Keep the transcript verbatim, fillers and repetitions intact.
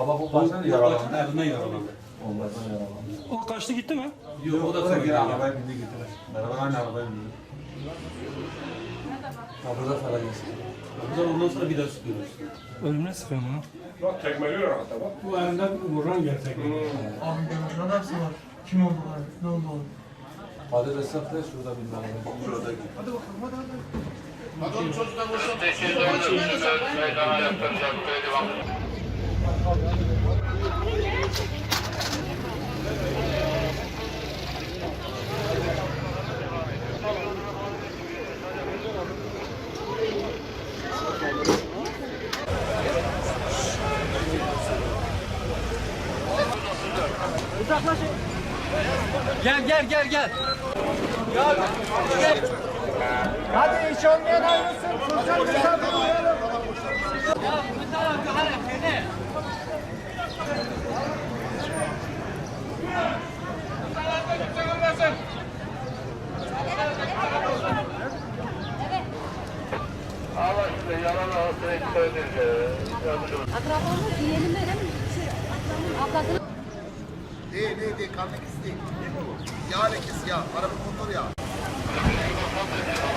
Baba bu baştan yaralandı. Elinden yaralandı. Onlardan yaralandı. O kaçtı gitti mi? Yok o da Sonra sonra geri geldi. arabaya bindi gittiler. Beraber aynı arabaya bindi. Kapıda falan geçti. Bu da ondan sonra bir daha sıkıyoruz. Ölümüne sıkıyor mu? Bak tekmeliyor hatta bak. Bu elinden vuran gerçek. Abi görüntüler hepsi var. Kim oldular? Ne oldu oğlum? Hadi Resul de şurada bindi arabaya. Şurada gitti. Hadi bakalım hadi hadi. Hadi oğlum çocuktan koşalım. Meydana yaptıracak böyle devam. Gel gel gel gel. Hadi iş olmayan ayrılsın. Sosyal mesafe uyaralım. Allah size yalan olsun ekstrediz. Akrabamız diyelim benim şey, ablasının Değil değil değil karnı kis değil. Yağ lekesi yağ. Araba motor yağı.